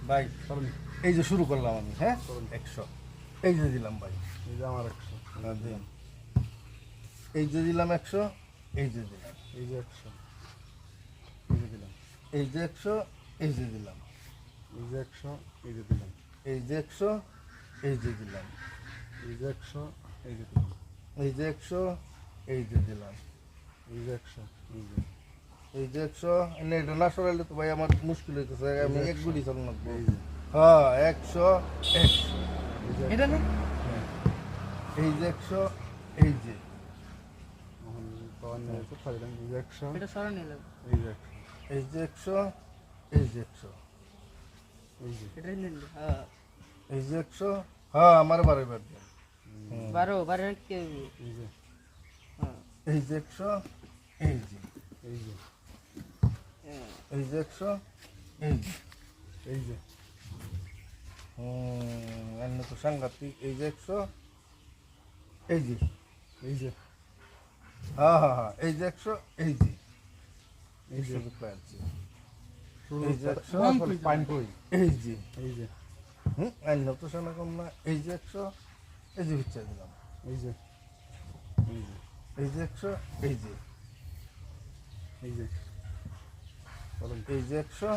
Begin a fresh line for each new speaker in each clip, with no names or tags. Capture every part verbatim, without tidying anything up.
ভাই এই যে শুরু করলাম আমি, হ্যাঁ একশো, এই যে দিলাম ভাই,
এই যে আমার একশো,
দিলাম, এই যে দিলাম একশো, এই যে দিলাম,
এই যে একশো, এই যে দিলাম,
এই যে একশো, এই যে দিলাম,
এই যে একশো, এই যে দিলাম,
এই যে একশো, এই যে দিলাম,
এই যে একশো, এই যে দিলাম,
এই যে একশো, এই যে দিলাম,
এই যে একশো, এই যে
এই যে একশো, এনে এটা না সরাইলে তো ভাই আমার মুশকিল হইতেছে, আমি এক গুলি চালান লাগবো।
এই যে
হ্যাঁ একশো, একশো,
এই যে
এটা না
এই যে একশো, এই যে
এখন পাওয়ার নিয়ে এসে ফাইলাম, এই যে একশো,
এটা সরানি লাগবে
এই যে একশো,
এই যে একশো, এই যে একশো,
এই যে
এটা নিলে হ্যাঁ
এই যে একশো, হ্যাঁ আমার বারে বার দেন।
বারো বারো কি
এই যে
হ্যাঁ
এই যে একশো, এই যে
এই যে
এই যে একশো, এই যে
এই যে
হুম এমনি তো সাংঘাতিক, এই যে একশো, এই যে
এই যে
হ্যাঁ হ্যাঁ হ্যাঁ এই যে একশো, এই যে
এই যে
সুযোগ পাচ্ছি,
শুরু
এই যে একশো,
পাইন কই,
এই যে
এই যে
হুম এমনি তো শোনা কম না, এই যে একশো, এই যে বিচ্ছা দিলাম,
এই যে এই যে
এই যে একশো, এই যে
এই যে চলেন
এই যে একশো,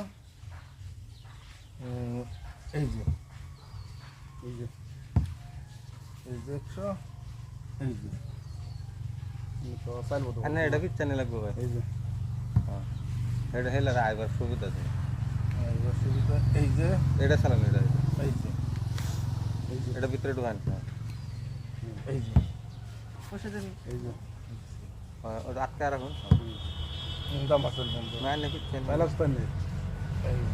হুম, এই যে
এই যে
এই যে একশো, এই যে
আমি তো চাইল বলতে
না এটা পিছনে লাগবে ভাই
এই যে
হ্যাঁ এটা হেলে আইবার সুবিধা আছে
আর এবার সুবিধা, এই যে
এটা চালান এটা
এই যে
এই যে
এটা ভিতরে ঢুকান
এই যে
বসে দেন
এই যে
ওটা আটকে রাখুন
হুম, দাম আসল বন্ধু,
না না পিছনে
পাইলাস পাইন নেই
এই যে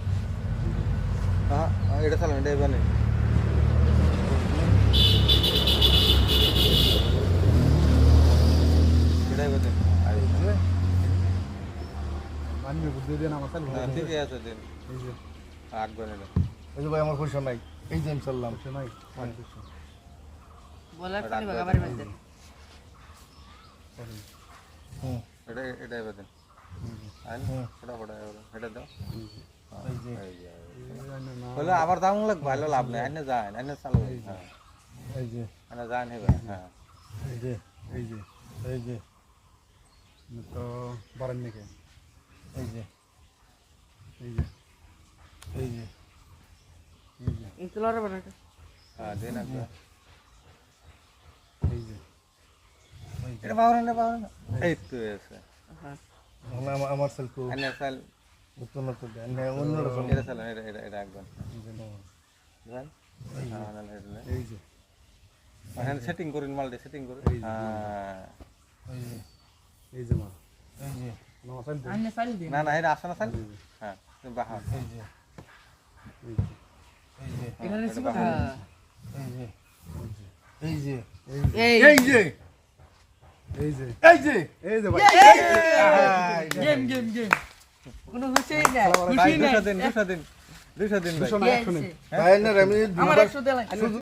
হ্যাঁ এটা চালান এটা এবার নেই এটা এবার দেন
এই যে
মানবে বুদ্ধি দিয়ে আমার চাইল
হ্যাঁ ঠিকই আছে দিন
এই যে
আঁকবেন এটা
এই যে ভাই আমার পয়সা নাই, এই যে আমি চাললাম,
সে নাই পাঁচশো
বলার পানি বাগাবার মধ্যে
চলেন
হুম
এটা এটা এবার দেন আইন
হুম।
ফটা ফটা এটা দাও
এই যে
এই যে
এই যে, এই যে।
এই যে না
বলে আবার দাম লাগবে ভালো লাভ নেই আইনে যান আইনে চালু হ্যাঁ
এই যে
আইনে যান হেবে হ্যাঁ
এই যে
এই যে
এই যে
আমি তো বাড়ান নাকি
এই যে
এই যে
এই যে
এই যে
ইনসুলার বানাটা
হ্যাঁ দিন একবার
এই যে
এটা পাওয়া না পাওয়া না এই তো এসে
হ্যাঁ
আমার আমার- আমার সেল তো
আইনে চাল
উত্তর না তো দেন না অন্যরা চাল,
এটা চালান এটা এটা এটা একবার
এই যে
যান হ্যাঁ না এটা
এই যে
এখানে সেটিং করুন মালটা সেটিং করুন
এই যে।
হ্যাঁ
এই যে
এই যে মা
এই যে
আমার চাইল দেন
আইনে ফাইল দিন
না না এটা আসে না চাল হ্যাঁ বাহা
এই যে
এই যে
এই যে
এখানে ছিল
হ্যাঁ।
এই যে এই যে
এই
এই যে
এই যে
এই যে
এই যে ভাই
গেম গেম গেম কোনো খুশি না
ভাই
খুশি না
দুশো দিন দুশো দিন দুশো দিন ভাই
দুশো না একশো নেই
তাই না আমি
আমার
দুবার
একশো দেলাই